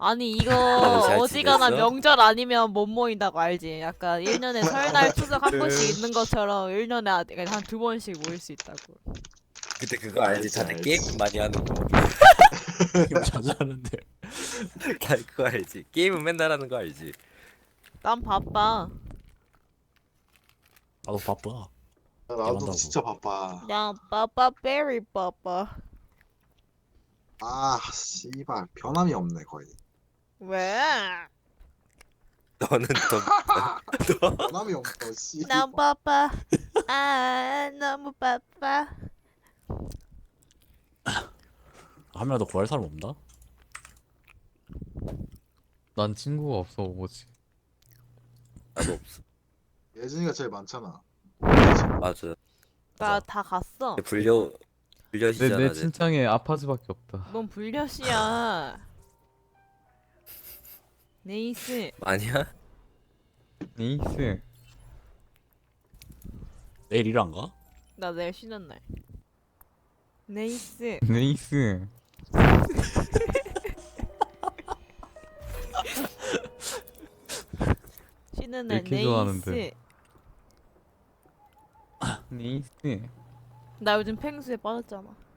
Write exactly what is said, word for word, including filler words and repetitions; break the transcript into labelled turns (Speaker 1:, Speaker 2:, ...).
Speaker 1: 아니 이거
Speaker 2: 다들 잘
Speaker 1: 어지간한
Speaker 2: 지냈어?
Speaker 1: 명절 아니면 못 모인다고 알지? 약간 일 년에 설날 추석 한 번씩 있는 것처럼 일 년에 한 두 번씩 모일 수 있다고.
Speaker 2: 그때 그거 알지?
Speaker 3: 알지,
Speaker 2: 다들
Speaker 3: 알지.
Speaker 2: 게임 많이 하는 거.
Speaker 4: 게임 자주 하는데.
Speaker 2: 다 그거 알지? 게임은 맨날 하는 거 알지?
Speaker 1: 난 바빠.
Speaker 4: 나도 바빠.
Speaker 3: 나도
Speaker 4: 게임한다고.
Speaker 3: 진짜 바빠.
Speaker 1: 난 바빠 베리 바빠.
Speaker 3: 아, 씨발 변함이 없네 거의.
Speaker 1: 왜?
Speaker 2: 너는 더
Speaker 3: 변함이 없어. 씨.
Speaker 1: 난 바빠. 아 너무 바빠.
Speaker 4: 한 명도 구할 사람 없나?
Speaker 5: 난 친구가 없어 오버워치.
Speaker 2: 나도 없어.
Speaker 3: 예준이가 제일 많잖아.
Speaker 2: 맞아.
Speaker 1: 나 다 갔어.
Speaker 2: 불려
Speaker 5: 내,
Speaker 2: 불려시잖아.
Speaker 5: 내 친창에 아파즈밖에 없다.
Speaker 1: 넌 불려시야. 네이스.
Speaker 2: 아니야?
Speaker 5: 네이스.
Speaker 4: 내일 일 안 가?
Speaker 1: 나 내일 쉬는 날. 네이스.
Speaker 5: 네이스.
Speaker 1: 쉬는 날
Speaker 5: 이렇게
Speaker 1: 네이스.
Speaker 5: 좋아하는데. 네이스.
Speaker 1: 나 요즘 펭수에 빠졌잖아.